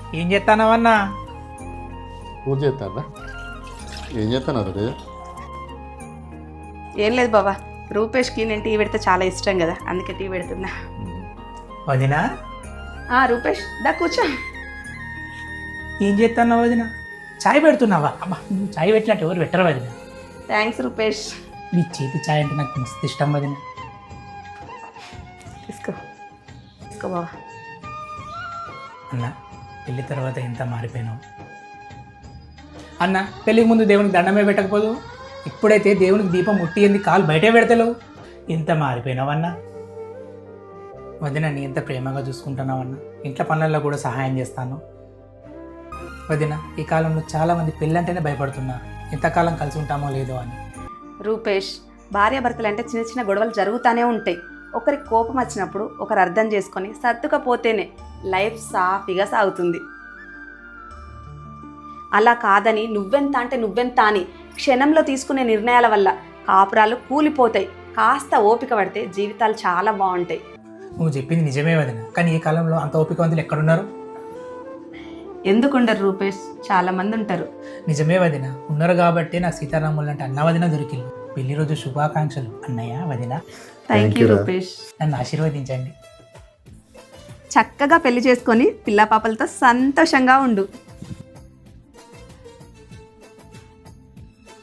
ఏం చేస్తానవన్నా? పూజ చేస్తారా? ఏం చేస్తున్నారు రే? ఏం లేదు బాబా, రూపేష్కి నేను టీ పెడితే చాలా ఇష్టం కదా, అందుకే టీ పెడుతున్నా. వదినా రూపేష్ దా కూర్చో. ఏం చేస్తున్నావు వదిన? చాయ్ పెడుతున్నావా? అబ్బా, నువ్వు చాయ్ పెట్టినట్టు ఎవరు పెట్టరు వదిన. థ్యాంక్స్ రూపేష్. నీ చేతి చాయ్ అంటే నాకు మస్తు ఇష్టం వదిన. తీసుకో తీసుకో బాబా. అన్న, పెళ్ళి తర్వాత ఎంత మారిపోయినావు అన్న. పెళ్ళికి ముందు దేవునికి దండమే పెట్టకపోదు, ఇప్పుడైతే దేవునికి దీపం ముట్టింది కాలు బయటే పెడతలేవు. ఎంత మారిపోయినావు అన్న. వదిన, నీ ఎంత ప్రేమగా చూసుకుంటున్నావన్న. ఇంట్లో పనులలో కూడా సహాయం చేస్తాను వదిన. ఈ కాలంలో చాలామంది పెళ్ళంటేనే భయపడుతున్నారు, ఎంతకాలం కలిసి ఉంటామో లేదో అని. రూపేష్, భార్యాభర్తలు అంటే చిన్న చిన్న గొడవలు జరుగుతూనే ఉంటాయి. ఒకరికి కోపం వచ్చినప్పుడు ఒకరు అర్థం చేసుకొని సర్దుకపోతేనే లైఫ్ సాఫీగా సాగుతుంది. అలా కాదని నువ్వెంత అంటే నువ్వెంత అని క్షణంలో తీసుకునే నిర్ణయాల వల్ల కాపురాలు కూలిపోతాయి. కాస్త ఓపిక పడితే జీవితాలు చాలా బాగుంటాయి. నువ్వు చెప్పింది నిజమే వదిన, కానీ ఈ కాలంలో అంత ఓపికవంతులు ఎక్కడున్నారు? ఎందుకుండరు రూపేష్, చాలా మంది ఉంటారు. నిజమే వదిన, ఉన్నారు కాబట్టి నాకు సీతారాములు అంటే అన్న వదిన దొరికింది. పెళ్లి రోజు శుభాకాంక్షలు అన్నయ్య వదిన. Thank you Rupesh. నన్ను ఆశీర్వదించండి. చక్కగా పెళ్లి చేసుకొని పిల్ల పాపలతో సంతోషంగా ఉండు.